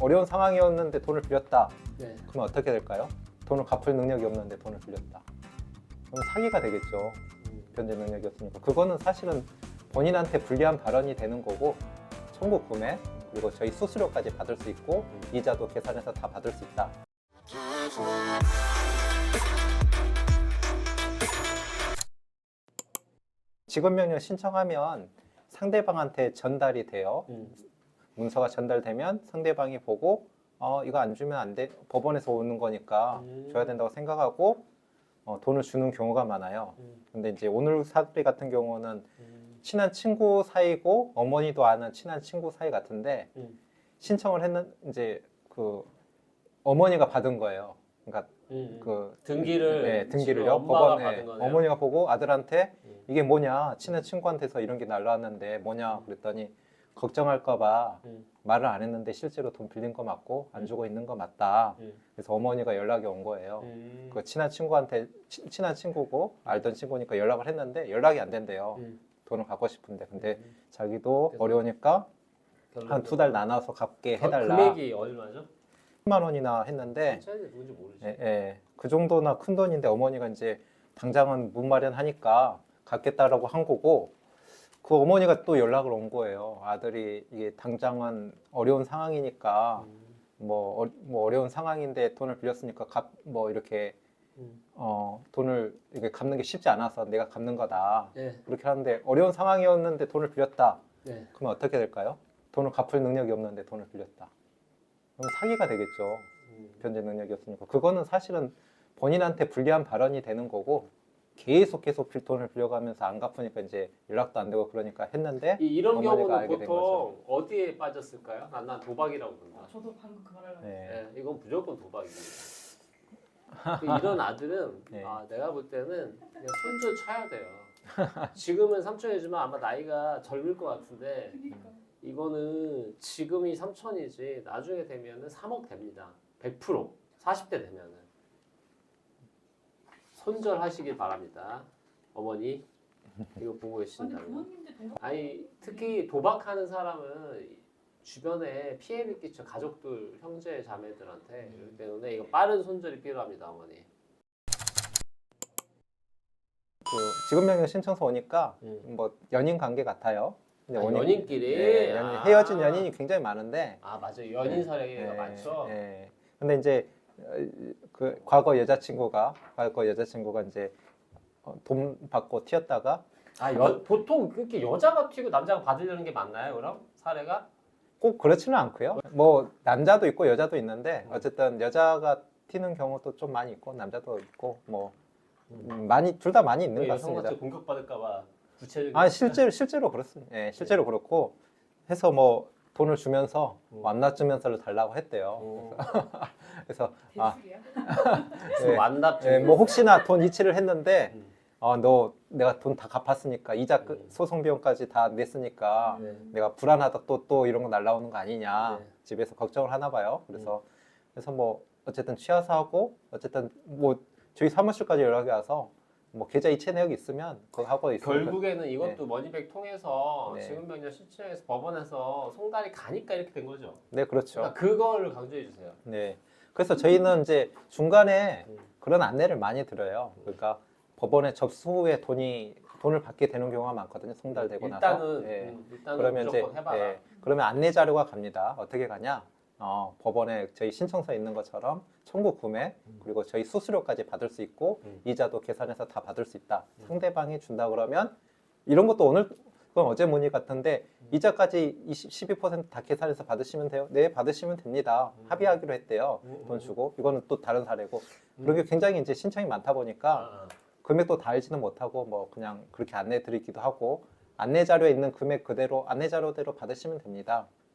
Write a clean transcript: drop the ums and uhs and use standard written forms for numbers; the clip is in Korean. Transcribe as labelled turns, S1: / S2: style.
S1: 어려운 상황이었는데 돈을 빌렸다.
S2: 네.
S1: 그러면 어떻게 될까요? 돈을 갚을 능력이 없는데 돈을 빌렸다. 그럼 사기가 되겠죠. 변제 능력이 없으니까. 그거는 사실은 본인한테 불리한 발언이 되는 거고 청구 구매 그리고 저희 수수료까지 받을 수 있고 이자도 계산해서 다 받을 수 있다. 지급명령 신청하면 상대방한테 전달이 돼요. 문서가 전달되면 상대방이 보고 이거 안 주면 안 돼. 법원에서 오는 거니까 줘야 된다고 생각하고 돈을 주는 경우가 많아요. 근데 이제 오늘 사례 같은 경우는 친한 친구 사이고 어머니도 아는 친한 친구 사이 같은데 신청을 했는 이제 그 어머니가 받은 거예요. 그러니까 그
S2: 등기를
S1: 네, 등기를요.
S2: 엄마가
S1: 법원에
S2: 받은 거네요.
S1: 어머니가 보고 아들한테 이게 뭐냐 친한 친구한테서 이런 게 날라왔는데 뭐냐 그랬더니 걱정할까봐 말을 안 했는데 실제로 돈 빌린 거 맞고 안 주고 있는 거 맞다. 그래서 어머니가 연락이 온 거예요. 그 친한 친구한테 친한 친구고 알던 친구니까 연락을 했는데 연락이 안 된대요. 돈을 갚고 싶은데 근데 자기도 어려우니까 한 2달 나눠서 갚게 해달라.
S2: 금액이 얼마죠?
S1: 10만 원이나 했는데
S2: 차이가 누군지 모르지.
S1: 그 정도나 큰 돈인데 어머니가 이제 당장은 문마련하니까 갚겠다라고 한 거고 그 어머니가 또 연락을 온 거예요. 아들이 이게 당장은 어려운 상황이니까 뭐 어려운 상황인데 돈을 빌렸으니까 뭐 이렇게 돈을 이렇게 갚는 게 쉽지 않아서 내가 갚는 거다.
S2: 네.
S1: 그렇게 하는데 어려운 상황이었는데 돈을 빌렸다.
S2: 네.
S1: 그러면 어떻게 될까요? 돈을 갚을 능력이 없는데 돈을 빌렸다. 그럼 사기가 되겠죠. 변제 능력이 없으니까. 그거는 사실은 본인한테 불리한 발언이 되는 거고 계속 돈을 빌려가면서 안 갚으니까 이제 연락도 안 되고 그러니까 했는데
S2: 이런
S1: 어머니가
S2: 경우는
S1: 알게 된 거죠.
S2: 보통 어디에 빠졌을까요? 난 도박이라고 본다.
S3: 저도 방금 그 말을
S1: 네.
S2: 네, 이건 무조건 도박입니다. 이런 아들은
S1: 네.
S2: 내가 볼 때는 그냥 손절 쳐야 돼요. 지금은 삼촌이지만 아마 나이가 젊을 것 같은데
S3: 그러니까
S2: 이거는 지금이 3천이지 나중에 되면은 3억 됩니다. 100% 40대 되면은 손절하시길 바랍니다. 어머니 이거 보고
S3: 아니
S2: 계신다면
S3: 부모님들 도박
S2: 아니 특히 도박하는 사람은 주변에 피해를 끼쳐 가족들 형제 자매들한테 그렇기 때문에 이거 빠른 손절이 필요합니다. 어머니.
S1: 그 지급명령 신청서 오니까 뭐 연인 관계 같아요. 근데
S2: 연인끼리
S1: 네, 헤어진 연인이 굉장히 많은데
S2: 맞아요. 연인 사례가 많죠.
S1: 네. 근데 이제 그 과거 여자친구가 이제 돈 받고 튀었다가
S2: 보통 그렇게 여자가 튀고 남자가 받으려는 게 맞나요? 그럼 사례가?
S1: 꼭 그렇지는 않고요. 뭐 남자도 있고 여자도 있는데 어쨌든 여자가 튀는 경우도 좀 많이 있고 남자도 있고 뭐 많이 둘 다 많이 있는 것 같습니다.
S2: 여성한테 공격받을까봐 구체적인.
S1: 실제로 그렇습니다. 예, 실제로 그렇고 해서 뭐 돈을 주면서 완납증명서를 달라고 했대요. 그래서
S3: 대출이야?
S1: 네.
S2: 완납.
S1: 뭐 혹시나 돈 이체를 했는데 너 내가 돈 다 갚았으니까 이자 소송 비용까지 다 냈으니까 내가 불안하다 또 이런 거 날라오는 거 아니냐 집에서 걱정을 하나 봐요. 그래서 뭐 어쨌든 취하서 하고 어쨌든 뭐 저희 사무실까지 연락이 와서 뭐 계좌 이체 내역이 있으면 그거 하고 있으니까
S2: 결국에는 이것도 머니백 통해서
S1: 네.
S2: 지급명령 신청해서 법원에서 송달이 가니까 이렇게 된 거죠.
S1: 네 그렇죠.
S2: 그러니까 그거를 강조해 주세요.
S1: 네. 그래서 저희는 이제 중간에 그런 안내를 많이 드려요. 그러니까 법원에 접수 후에 돈을 받게 되는 경우가 많거든요. 송달되고 나서.
S2: 일단은
S1: 그러면
S2: 무조건 해봐라.
S1: 그러면 안내 자료가 갑니다. 어떻게 가냐? 법원에 저희 신청서 있는 것처럼 청구 구매 그리고 저희 수수료까지 받을 수 있고 이자도 계산해서 다 받을 수 있다. 상대방이 준다 그러면 이런 것도 그건 어제 문의 같은데 이자까지 12%다 계산해서 받으시면 돼요. 네, 받으시면 됩니다. 합의하기로 했대요. 돈 주고 이거는 또 다른 사례고 그런 게 굉장히 이제 신청이 많다 보니까 금액도 다 알지는 못하고 뭐 그냥 그렇게 안내 드리기도 하고 안내 자료에 있는 금액 그대로 안내 자료대로 받으시면 됩니다.